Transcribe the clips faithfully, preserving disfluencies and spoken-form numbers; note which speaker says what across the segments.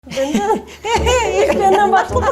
Speaker 1: Benden, ilk benden başladı.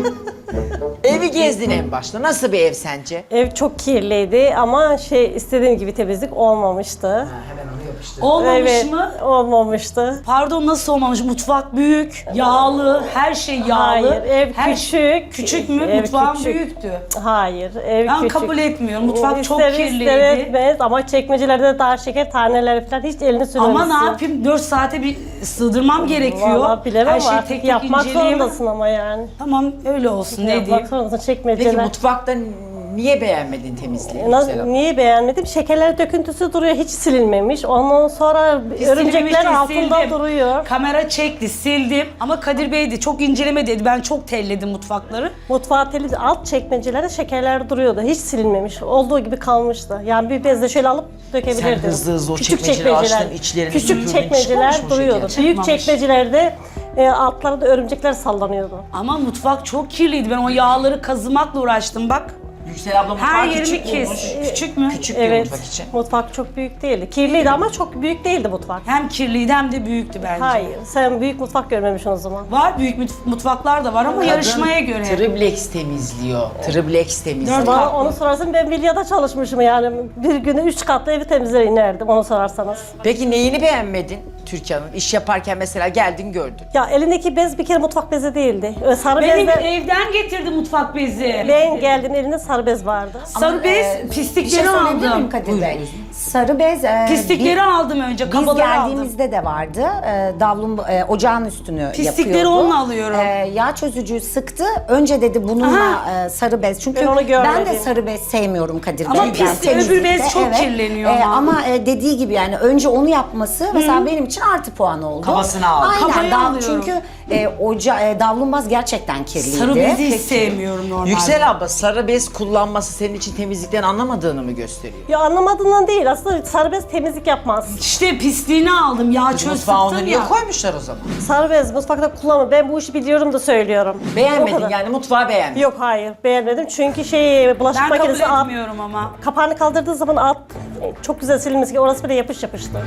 Speaker 2: Evi gezdin en başta. Nasıl bir ev sence?
Speaker 1: Ev çok kirliydi ama şey istediğim gibi temizlik olmamıştı.
Speaker 2: Hemen onu yapıştır.
Speaker 3: Olmamış
Speaker 1: Evet,
Speaker 3: mı?
Speaker 1: olmamıştı.
Speaker 3: Pardon, nasıl olmamış? Mutfak büyük, yağlı, her şey yağlı.
Speaker 1: Hayır, ev
Speaker 3: her
Speaker 1: küçük.
Speaker 3: Küçük mü?
Speaker 1: Ev
Speaker 3: Mutfağın
Speaker 1: küçük.
Speaker 3: büyüktü.
Speaker 1: Hayır, ev
Speaker 3: Ben
Speaker 1: küçük.
Speaker 3: kabul etmiyorum. Mutfak çok
Speaker 1: İster
Speaker 3: kirliydi.
Speaker 1: ister etmez ama çekmecelerde daha şeker taneleri falan hiç elini sürmemişsin.
Speaker 3: Ama ne yapayım? dört saate bir sığdırmam gerekiyor.
Speaker 1: Vallahi bilemem
Speaker 3: her şeyi
Speaker 1: artık
Speaker 3: tek tek
Speaker 1: yapmak
Speaker 3: inceleyemem.
Speaker 1: zorundasın ama yani.
Speaker 3: Tamam, öyle olsun. Ne
Speaker 1: Yapmak
Speaker 3: diyeyim?
Speaker 1: zorundasın
Speaker 2: Peki
Speaker 1: çekmeceler.
Speaker 2: mutfakta niye beğenmedin temizliği?
Speaker 1: Nasıl,
Speaker 2: Yüksel abla?
Speaker 1: niye beğenmedim? Şekerler döküntüsü duruyor, hiç silinmemiş. Ondan sonra
Speaker 3: Biz
Speaker 1: örümcekler
Speaker 3: silmemiştik,
Speaker 1: altında
Speaker 3: sildim.
Speaker 1: duruyor.
Speaker 3: Kamera çekti, sildim. Ama Kadir Bey de çok inceleme dedi. Ben çok telledim mutfakları.
Speaker 1: Mutfağı temiz, alt çekmecelerde şekerler duruyordu. Hiç silinmemiş. Olduğu gibi kalmıştı. Yani bir bezle şöyle alıp dökebilirdim.
Speaker 2: Sen hızlı hızlı o
Speaker 1: Küçük
Speaker 2: çekmeceleri
Speaker 1: çekmeceler-
Speaker 2: açtın, içlerini
Speaker 1: Küçük
Speaker 2: süpürdün,
Speaker 1: çekmeceler
Speaker 2: çıkmamış mı o
Speaker 1: duruyordu.
Speaker 2: şeker?
Speaker 1: Büyük
Speaker 3: Çıkmamış.
Speaker 1: çekmecelerde e, altlarında örümcekler sallanıyordu.
Speaker 3: Ama mutfak çok kirliydi. Ben o yağları kazımakla uğraştım bak.
Speaker 2: Yüksel abla mutfağı
Speaker 3: Her yerimi
Speaker 2: küçük
Speaker 3: kes.
Speaker 2: bulmuş.
Speaker 3: Küçük mü?
Speaker 2: Küçük bir
Speaker 1: Evet.
Speaker 2: mutfak için.
Speaker 1: Mutfak çok büyük değildi. Kirliydi ama çok büyük değildi mutfak.
Speaker 3: Hem kirliydi hem de büyüktü bence.
Speaker 1: Hayır, sen büyük mutfak görmemişsin o zaman.
Speaker 3: Var büyük mut- mutfaklar da var ama yarışmaya göre.
Speaker 2: Triplex temizliyor. Triplex temizliyor.
Speaker 3: Dört
Speaker 1: Bana
Speaker 3: katlı.
Speaker 1: onu sorarsan ben Vilya'da çalışmışım yani. Bir günde üç katlı evi temizler inerdim onu sorarsanız.
Speaker 2: Peki neyini beğenmedin Türkan'ın? İş yaparken mesela geldin gördün.
Speaker 1: Ya elindeki bez bir kere mutfak bezi değildi. Öyle sarı
Speaker 3: Benim
Speaker 1: bezle
Speaker 3: evden getirdi mutfak bezi.
Speaker 1: ben geldim elinde sarı bez vardı.
Speaker 3: Sarı bez,
Speaker 4: e, Bir şey
Speaker 3: pislikleri
Speaker 4: söyleyebilir miyim
Speaker 3: aldım.
Speaker 4: Kadir Bey? Sarı bez, e,
Speaker 3: Pislikleri
Speaker 4: bi-
Speaker 3: aldım önce,
Speaker 4: biz
Speaker 3: kabaları aldım.
Speaker 4: geldiğimizde de vardı. E, davlum e, ocağın üstünü
Speaker 3: Pislikleri
Speaker 4: yapıyordu.
Speaker 3: onunla alıyorum.
Speaker 4: E, yağ çözücüyü sıktı. Önce dedi bununla e, sarı bez. Çünkü
Speaker 1: Ben onu görmedim.
Speaker 4: ben de sarı bez sevmiyorum Kadir
Speaker 3: Ama
Speaker 4: Bey.
Speaker 3: pis-
Speaker 4: Yani
Speaker 3: öbür
Speaker 4: temizlikte,
Speaker 3: bez çok kirleniyor ama.
Speaker 4: ama e, dediği gibi yani önce onu yapması mesela benim için artı puan oldu.
Speaker 2: Kabasını aldı.
Speaker 4: Aynen.
Speaker 3: Kabayı
Speaker 4: Dav-
Speaker 3: alıyorum.
Speaker 4: çünkü e, oca, e, davlumbaz gerçekten kirliydi.
Speaker 3: Sarı bezi hiç
Speaker 4: Peki.
Speaker 3: sevmiyorum normalde.
Speaker 2: Yüksel abla sarı bez kullanması senin için temizlikten anlamadığını mı gösteriyor?
Speaker 1: Ya anlamadığından değil aslında sarı bez temizlik yapmaz.
Speaker 3: İşte pisliğini aldım, yağ çöz
Speaker 2: Mutfağa onu
Speaker 3: sıktım
Speaker 2: niye
Speaker 3: ya.
Speaker 2: koymuşlar o zaman?
Speaker 1: Sarı bez mutfakta kullanma. Ben bu işi biliyorum da söylüyorum. O
Speaker 2: Beğenmedin
Speaker 1: kadar.
Speaker 2: yani mutfağı beğenmedin.
Speaker 1: Yok hayır beğenmedim çünkü şey bulaşık
Speaker 3: Ben kabul
Speaker 1: makinesi alt,
Speaker 3: etmiyorum ama.
Speaker 1: kapağını kaldırdığı zaman alt çok güzel silinmesi ki orası bile yapış yapıştı.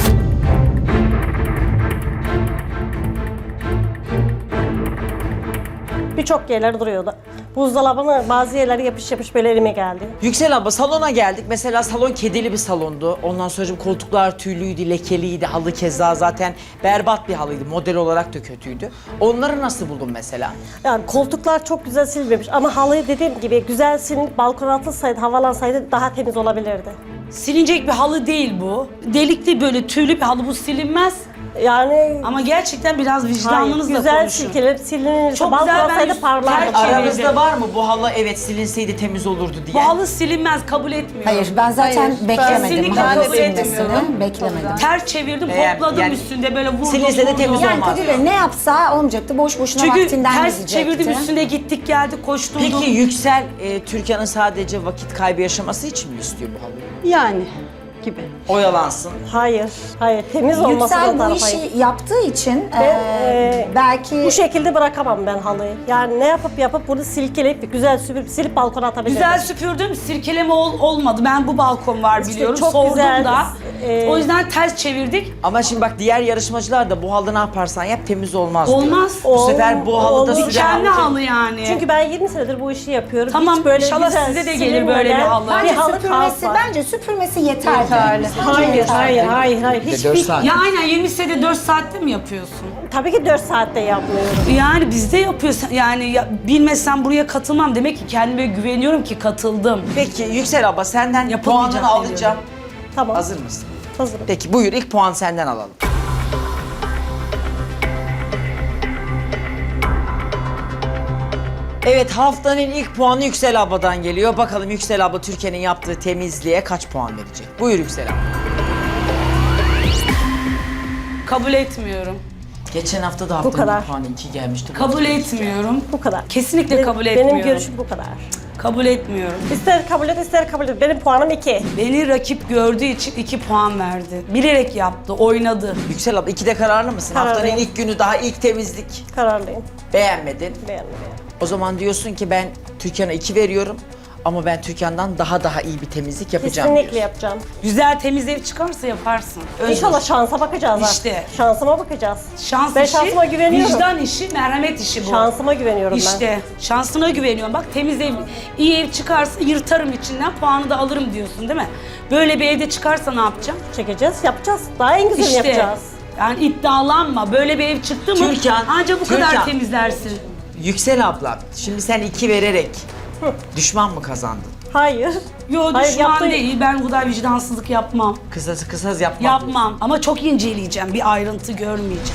Speaker 1: Birçok yerler duruyordu. Buzdolabının bazı yerleri yapış yapış böyle elime geldi.
Speaker 2: Yüksel abla salona geldik. Mesela salon kedili bir salondu. Ondan sonra koltuklar tüylüydü, lekeliydi. Halı keza zaten berbat bir halıydı. Model olarak da kötüydü. Onları nasıl buldun mesela?
Speaker 1: Yani koltuklar çok güzel silinmemiş ama halıyı dediğim gibi güzel silinip balkona atılsaydı, havalansaydı daha temiz olabilirdi.
Speaker 3: Silinecek bir halı değil bu. Delikli böyle tüylü bir halı, bu silinmez.
Speaker 1: Yani
Speaker 3: Ama gerçekten biraz
Speaker 1: hayır,
Speaker 3: vicdanınızla
Speaker 1: güzel
Speaker 3: konuşun.
Speaker 1: silkelenip silinirse
Speaker 3: Çok
Speaker 1: balkona
Speaker 3: güzel, ben
Speaker 1: atsaydı
Speaker 3: yüz-
Speaker 1: parlardı.
Speaker 3: ter-
Speaker 2: Aranızda
Speaker 3: Çevirdim.
Speaker 2: var mı bu halı evet silinseydi temiz olurdu diye?
Speaker 3: Bu halı silinmez, kabul etmiyorum.
Speaker 4: Hayır ben zaten
Speaker 1: Hayır,
Speaker 4: beklemedim.
Speaker 3: kesinlikle
Speaker 4: halı
Speaker 3: kabul
Speaker 4: silmesini.
Speaker 3: etmiyorum.
Speaker 4: Beklemedim.
Speaker 3: Ters çevirdim,
Speaker 2: Beğen-
Speaker 3: hopladım
Speaker 2: yani
Speaker 3: üstünde böyle vurdum.
Speaker 2: silinse de
Speaker 3: vurdum.
Speaker 2: temiz
Speaker 4: Yani
Speaker 2: olmaz.
Speaker 4: Kadir Bey ne yapsa olmayacaktı. Boş boşuna
Speaker 3: Çünkü
Speaker 4: vaktinden
Speaker 3: ters
Speaker 4: gidecekti.
Speaker 3: çevirdim üstünde, gittik geldik koşturdum.
Speaker 2: Peki Yüksel e, Türkan'ın sadece vakit kaybı yaşaması için mi istiyor bu halıyı?
Speaker 5: Yani gibi.
Speaker 2: Oyalansın.
Speaker 1: Hayır, hayır temiz olması
Speaker 4: Yüksel bu
Speaker 1: tarafa.
Speaker 4: işi yaptığı için
Speaker 1: Ben,
Speaker 4: eee,
Speaker 1: e,
Speaker 4: belki
Speaker 1: Bu şekilde bırakamam ben halıyı. Yani ne yapıp yapıp bunu silkeleyip güzel süpürüp silip balkona atabilirim.
Speaker 3: Güzel süpürdüm, sirkeleme ol- olmadı. Ben bu balkon var
Speaker 1: İşte
Speaker 3: biliyorum,
Speaker 1: çok
Speaker 3: sordum
Speaker 1: güzel,
Speaker 3: da.
Speaker 1: e,
Speaker 3: O yüzden ters çevirdik.
Speaker 2: Ama şimdi bak diğer yarışmacılar da bu halı ne yaparsan yap temiz olmaz diyor.
Speaker 3: Olmaz.
Speaker 2: Bu sefer bu halıda
Speaker 1: Olmaz.
Speaker 2: süren
Speaker 3: Dikenli
Speaker 2: halı-
Speaker 3: halı yani.
Speaker 1: Çünkü ben yirmi senedir bu işi yapıyorum.
Speaker 3: Tamam,
Speaker 1: Hiç böyle
Speaker 3: inşallah
Speaker 1: güzel
Speaker 3: size de gelir böyle bir
Speaker 1: silinmeden
Speaker 3: halı.
Speaker 1: Bir
Speaker 4: bence
Speaker 1: halı
Speaker 4: süpürmesi
Speaker 1: kalsa.
Speaker 4: bence süpürmesi yeterli.
Speaker 5: Yeterli.
Speaker 4: Bence
Speaker 1: Hayır,
Speaker 4: yeterli.
Speaker 1: hayır, hayır, hayır.
Speaker 2: Bir de
Speaker 1: Hiçbir...
Speaker 2: dört saat.
Speaker 3: Ya aynen, yirmi senede dört saatte mi yapıyorsun?
Speaker 1: Tabii ki dört saatte yapmıyorum.
Speaker 3: Yani bizde yapıyorsun. Yani ya, bilmesem buraya katılmam. Demek ki kendime güveniyorum ki katıldım.
Speaker 2: Peki Yüksel abla senden
Speaker 3: Yapılmayacak
Speaker 2: puanını alacağım.
Speaker 3: diyorum.
Speaker 1: Tamam,
Speaker 2: Hazır mısın?
Speaker 1: hazırım.
Speaker 2: Peki buyur ilk puan senden alalım. Evet haftanın ilk puanı Yüksel abladan geliyor. Bakalım Yüksel abla Türkiye'nin yaptığı temizliğe kaç puan verecek? Buyur Yüksel abla.
Speaker 3: Kabul etmiyorum.
Speaker 2: Geçen hafta da haftanın
Speaker 1: kadar.
Speaker 2: ilk puanı iki gelmişti.
Speaker 3: Kabul etmiyorum.
Speaker 1: Bu kadar.
Speaker 3: Kesinlikle
Speaker 1: Benim-
Speaker 3: kabul etmiyorum.
Speaker 1: Benim görüşüm bu kadar.
Speaker 3: Kabul etmiyorum.
Speaker 1: İster kabul et, ister kabul et. Benim puanım iki.
Speaker 3: Beni rakip gördüğü için iki puan verdi. Bilerek yaptı, oynadı.
Speaker 2: Yüksel abla ikide kararlı mısın?
Speaker 1: Kararlıyım.
Speaker 2: Haftanın ilk günü daha ilk temizlik.
Speaker 1: Kararlıyım.
Speaker 2: Beğenmedin.
Speaker 1: Beğendim.
Speaker 2: O zaman diyorsun ki ben Türkan'a iki veriyorum. Ama ben Türkan'dan daha daha iyi bir temizlik yapacağım
Speaker 1: Kesinlikle
Speaker 2: diyorsun.
Speaker 1: yapacağım.
Speaker 3: Güzel temiz ev çıkarsa yaparsın.
Speaker 1: İnşallah şansa bakacağız ha.
Speaker 3: İşte.
Speaker 1: Şansıma bakacağız.
Speaker 3: Şans
Speaker 1: ben
Speaker 3: işi,
Speaker 1: şansıma güveniyorum.
Speaker 3: vicdan işi, merhamet işi bu.
Speaker 1: Şansıma güveniyorum ben.
Speaker 3: İşte şansına güveniyorum. Bak temiz ev, iyi ev çıkarsa yırtarım içinden, puanı da alırım diyorsun değil mi? Böyle bir evde çıkarsa ne yapacağım?
Speaker 1: Çekeceğiz, yapacağız. Daha en güzelini
Speaker 3: İşte
Speaker 1: yapacağız.
Speaker 3: yani iddialanma. Böyle bir ev çıktı mı
Speaker 2: Türkan,
Speaker 3: ancak bu kadar
Speaker 2: Türkan.
Speaker 3: temizlersin.
Speaker 2: Yüksel abla, şimdi sen iki vererek düşman mı kazandın?
Speaker 1: Hayır.
Speaker 3: Yo
Speaker 1: Hayır,
Speaker 3: düşman
Speaker 1: yaptığı-
Speaker 3: değil. Ben bu kadar vicdansızlık yapmam.
Speaker 2: Kısası kısas yapmam.
Speaker 3: Yapmam. Ama çok inceleyeceğim. Bir ayrıntı görmeyeceğim.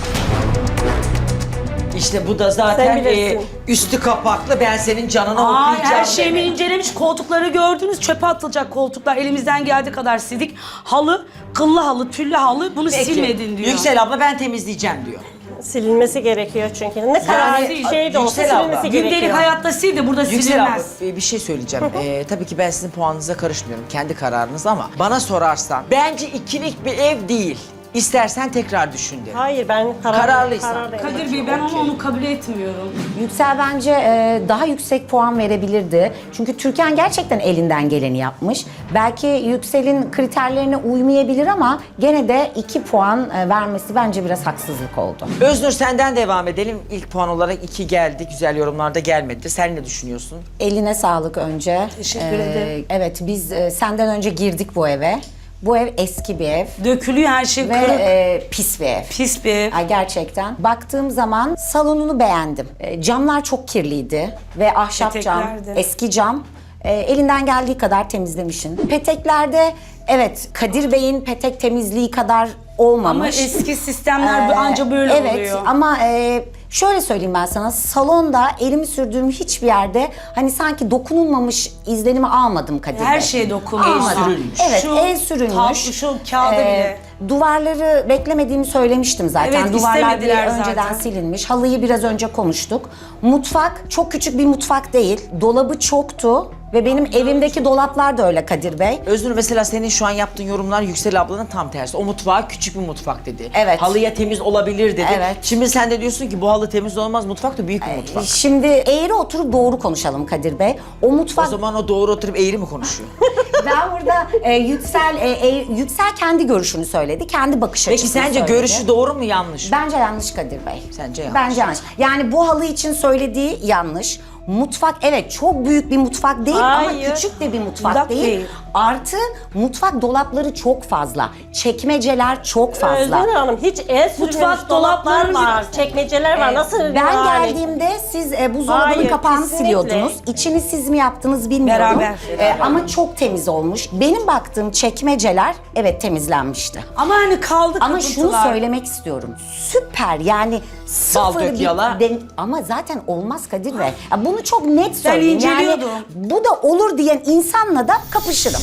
Speaker 2: İşte bu da zaten
Speaker 1: Sen bilirsin.
Speaker 2: e, üstü kapaklı, ben senin canına
Speaker 3: Ay
Speaker 2: okuyacağım.
Speaker 3: her şeyimi
Speaker 2: deme.
Speaker 3: incelemiş. Koltukları gördünüz. Çöpe atılacak koltuklar. Elimizden geldiği kadar sildik. Halı, kıllı halı, tüllü halı. Bunu
Speaker 2: Peki,
Speaker 3: silmedin diyor.
Speaker 2: Yüksel abla ben temizleyeceğim diyor.
Speaker 1: Silinmesi gerekiyor çünkü. Ne kadar
Speaker 3: değil.
Speaker 1: şey de olsa
Speaker 2: Yüksel abla,
Speaker 1: silinmesi
Speaker 3: Gündelik
Speaker 1: gerekiyor.
Speaker 3: hayatta sil de burada
Speaker 2: Yüksel abla
Speaker 3: silinmez.
Speaker 2: e, bir şey söyleyeceğim. Ee, tabii ki ben sizin puanınıza karışmıyorum. Kendi kararınız ama bana sorarsan bence ikilik bir ev değil. İstersen tekrar düşün derim.
Speaker 1: Hayır ben karar,
Speaker 2: Kararlıysan.
Speaker 1: karardayım.
Speaker 3: Kadir Bey ben onu, onu kabul etmiyorum.
Speaker 4: Yüksel bence e, daha yüksek puan verebilirdi. Çünkü Türkan gerçekten elinden geleni yapmış. Belki Yüksel'in kriterlerine uymayabilir ama gene de iki puan e, vermesi bence biraz haksızlık oldu.
Speaker 2: Öznur senden devam edelim. İlk puan olarak iki geldi. Güzel yorumlarda gelmedi. Sen ne düşünüyorsun?
Speaker 4: Eline sağlık önce.
Speaker 3: Teşekkür ederim.
Speaker 4: Evet biz e, senden önce girdik bu eve. Bu ev eski bir ev
Speaker 3: Dökülüyor her şey
Speaker 4: ve
Speaker 3: kırık.
Speaker 4: e, pis bir ev.
Speaker 3: Pis bir ev.
Speaker 4: Ay, gerçekten. Baktığım zaman salonunu beğendim. E, camlar çok kirliydi ve ahşap cam,
Speaker 3: Petekler de.
Speaker 4: eski cam. E, elinden geldiği kadar temizlemişsin. Peteklerde evet Kadir Bey'in petek temizliği kadar olmamış.
Speaker 3: Ama eski sistemler
Speaker 4: Ee,
Speaker 3: anca böyle
Speaker 4: evet,
Speaker 3: oluyor.
Speaker 4: Evet ama e, şöyle söyleyeyim ben sana, salonda elimi sürdüğüm hiçbir yerde hani sanki dokunulmamış izlenimi almadım Kadir
Speaker 3: Her
Speaker 4: Bey.
Speaker 3: şeye dokunmuş.
Speaker 4: Almadım.
Speaker 2: El sürülmüş.
Speaker 4: Evet,
Speaker 3: Şu
Speaker 4: el sürülmüş.
Speaker 3: tablo, şu kağıda bile.
Speaker 4: Duvarları beklemediğimi söylemiştim zaten.
Speaker 3: Evet,
Speaker 4: Duvarlar bir
Speaker 3: istemediler
Speaker 4: önceden
Speaker 3: zaten.
Speaker 4: silinmiş. Halıyı biraz önce konuştuk. Mutfak çok küçük bir mutfak değil. Dolabı çoktu. Ve benim evimdeki dolaplar da öyle Kadir Bey.
Speaker 2: Öznur mesela senin şu an yaptığın yorumlar Yüksel ablanın tam tersi. O mutfağı küçük bir mutfak dedi.
Speaker 4: Evet.
Speaker 2: Halıya temiz olabilir dedi.
Speaker 4: Evet.
Speaker 2: Şimdi sen de diyorsun ki bu halı temiz olmaz, mutfak da büyük bir mutfak.
Speaker 4: Şimdi eğri oturup doğru konuşalım Kadir Bey. O mutfak...
Speaker 2: O zaman o doğru oturup eğri mi konuşuyor?
Speaker 4: Ben burada e, Yüksel e, e, Yüksel kendi görüşünü söyledi. Kendi bakış
Speaker 2: Peki
Speaker 4: açısını
Speaker 2: sence
Speaker 4: söyledi.
Speaker 2: görüşü doğru mu yanlış mı?
Speaker 4: Bence yanlış Kadir Bey.
Speaker 2: Sence yanlış.
Speaker 4: Bence yanlış. Yani bu halı için söylediği yanlış. Mutfak evet çok büyük bir mutfak değil
Speaker 1: Hayır.
Speaker 4: ama küçük de bir mutfak
Speaker 3: Uzak
Speaker 4: değil.
Speaker 3: değil.
Speaker 4: Artı mutfak dolapları çok fazla. Çekmeceler çok fazla.
Speaker 1: Özgür Hanım hiç el sürülmemiş
Speaker 3: Mutfak
Speaker 1: dolaplar
Speaker 3: dolaplarımız-
Speaker 1: var, çekmeceler var. Nasıl
Speaker 4: Ben
Speaker 1: yani?
Speaker 4: geldiğimde siz e, buzdolabının
Speaker 1: Hayır,
Speaker 4: kapağını
Speaker 1: kesinlikle.
Speaker 4: siliyordunuz. İçini siz mi yaptınız bilmiyorum.
Speaker 3: Beraber.
Speaker 4: E, ama çok temiz olmuş. Benim baktığım çekmeceler evet temizlenmişti.
Speaker 3: Ama hani kaldı
Speaker 4: Ama şunu
Speaker 3: kırıntılar.
Speaker 4: söylemek istiyorum. Süper yani sıfır
Speaker 2: dök
Speaker 4: bir
Speaker 2: yala.
Speaker 4: den- ama zaten olmaz Kadir Bey. Ya bunu çok net söyleyeyim. Yani
Speaker 3: inceliyordum.
Speaker 4: bu da olur diyen insanla da kapışırım.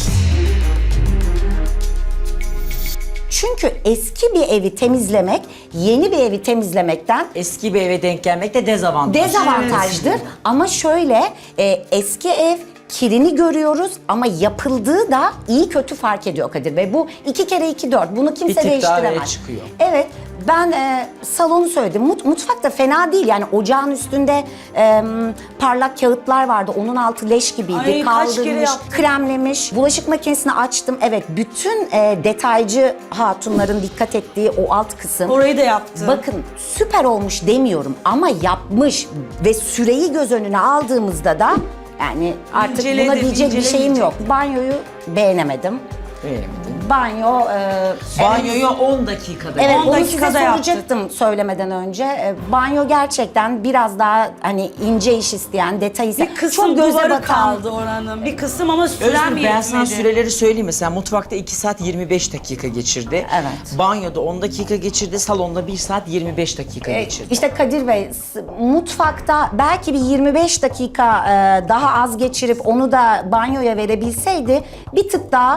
Speaker 4: Çünkü eski bir evi temizlemek, yeni bir evi temizlemekten
Speaker 2: Eski bir eve denk gelmek de dezavantaj.
Speaker 4: dezavantajdır. Ama şöyle e, eski ev kirini görüyoruz ama yapıldığı da iyi kötü fark ediyor Kadir Bey. Bu iki kere iki dört. Bunu kimse
Speaker 2: Bir tık daha
Speaker 4: değiştiremez.
Speaker 2: öne çıkıyor.
Speaker 4: Evet. Ben e, salonu söyledim. Mut, mutfak da fena değil. Yani ocağın üstünde e, parlak kağıtlar vardı. Onun altı leş gibiydi.
Speaker 3: Ay, kaç kere
Speaker 4: Kaldırmış,
Speaker 3: yaptım.
Speaker 4: kremlemiş. Bulaşık makinesini açtım. Evet, bütün e, detaycı hatunların dikkat ettiği o alt kısım.
Speaker 3: Orayı da yaptı.
Speaker 4: Bakın süper olmuş demiyorum ama yapmış ve süreyi göz önüne aldığımızda da yani artık
Speaker 3: İnceledi,
Speaker 4: buna diyecek bir şeyim
Speaker 3: incelemeyecek.
Speaker 4: yok. Banyoyu beğenemedim.
Speaker 2: Beğenmedim.
Speaker 4: Banyo... E,
Speaker 2: Banyoyu on dakikada.
Speaker 4: Evet,
Speaker 3: on
Speaker 4: onu size
Speaker 3: dakikada yaptık.
Speaker 4: soracaktım söylemeden önce. E, Banyo gerçekten biraz daha hani ince iş isteyen, detay isteyen,
Speaker 3: Bir kısım
Speaker 4: çok göze
Speaker 3: duvarı
Speaker 4: batan.
Speaker 3: kaldı oranın. Bir kısım ama sürem
Speaker 2: Özgür ben sana
Speaker 3: yetmedi.
Speaker 2: süreleri söyleyeyim. Mesela mutfakta iki saat yirmi beş dakika geçirdi.
Speaker 4: Evet.
Speaker 2: Banyoda on dakika geçirdi. Salonda bir saat yirmi beş dakika
Speaker 4: E,
Speaker 2: geçirdi.
Speaker 4: İşte Kadir Bey, s- mutfakta belki bir yirmi beş dakika e, daha az geçirip onu da banyoya verebilseydi bir tık daha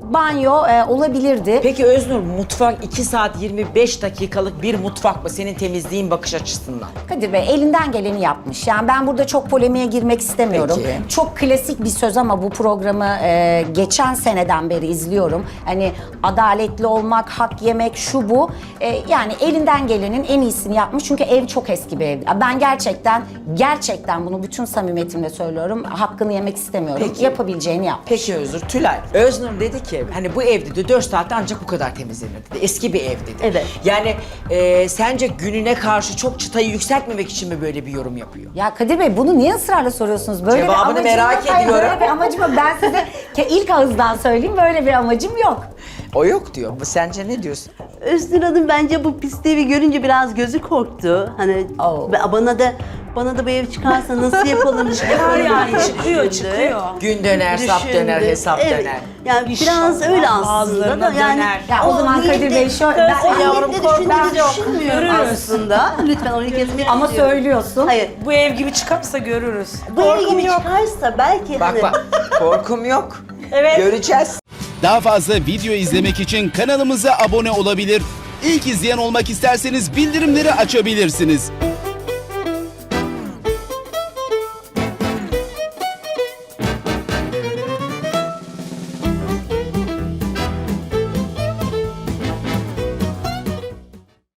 Speaker 4: banyo e, olabilirdi.
Speaker 2: Peki Öznur, mutfak iki saat yirmi beş dakikalık bir mutfak mı senin temizliğin bakış açısından?
Speaker 4: Kadir Bey elinden geleni yapmış. Yani ben burada çok polemiğe girmek istemiyorum.
Speaker 2: Peki.
Speaker 4: Çok klasik bir söz ama bu programı e, geçen seneden beri izliyorum. Hani adaletli olmak, hak yemek, şu bu. E, yani elinden gelenin en iyisini yapmış. Çünkü ev çok eski bir ev. Ben gerçekten, gerçekten bunu bütün samimiyetimle söylüyorum. Hakkını yemek istemiyorum.
Speaker 2: Peki.
Speaker 4: Yapabileceğini yapmış.
Speaker 2: Peki Öznur, Tülay. Öznur dedi ki hani bu ev dedi dört saatte ancak bu kadar temizlenir dedi. Eski bir ev dedi.
Speaker 5: Evet.
Speaker 2: Yani e, sence gününe karşı çok çıtayı yükseltmemek için mi böyle bir yorum yapıyor?
Speaker 4: Ya Kadir Bey bunu niye ısrarla soruyorsunuz? Böyle
Speaker 2: Cevabını
Speaker 4: bir amacım
Speaker 2: merak
Speaker 4: yok. Hayır,
Speaker 2: ediyorum.
Speaker 4: Böyle bir amacım yok. Ben size ke- ilk ağızdan söyleyeyim, böyle bir amacım yok.
Speaker 2: O yok diyor. Bu sence ne diyorsun?
Speaker 5: Özgür Hanım bence bu pis evi görünce biraz gözü korktu. Hani
Speaker 4: Oh.
Speaker 5: ba- bana da bana da bu ev çıkarsa nasıl yapalım?
Speaker 3: Çıkar yani, çıkıyor, çıkıyor.
Speaker 2: Gün döner, sap
Speaker 5: Düşündü.
Speaker 2: döner, hesap
Speaker 5: Evet.
Speaker 2: döner.
Speaker 5: Yani
Speaker 3: İnşallah
Speaker 5: biraz öyle aslında
Speaker 3: bazılarına
Speaker 5: da yani.
Speaker 3: döner.
Speaker 4: Ya o zaman Kadir
Speaker 5: niyetle-
Speaker 4: Bey şöyle- ben-
Speaker 5: o
Speaker 4: yavrum,
Speaker 5: niyetle
Speaker 4: kork- ben
Speaker 5: düşündüğünü
Speaker 4: yok.
Speaker 5: düşünmüyorum
Speaker 3: Görürüz.
Speaker 5: aslında. Lütfen onu kesmek
Speaker 4: Ama
Speaker 5: istiyorum.
Speaker 4: söylüyorsun.
Speaker 5: Hayır.
Speaker 3: Bu ev gibi çıkarsa görürüz.
Speaker 5: Bu ev
Speaker 1: Korkum
Speaker 5: gibi
Speaker 1: yok.
Speaker 5: çıkarsa belki
Speaker 2: Bak
Speaker 5: hani
Speaker 2: bak, korkum yok.
Speaker 1: Evet.
Speaker 2: Göreceğiz.
Speaker 6: Daha fazla video izlemek için kanalımıza abone olabilir. İlk izleyen olmak isterseniz bildirimleri açabilirsiniz.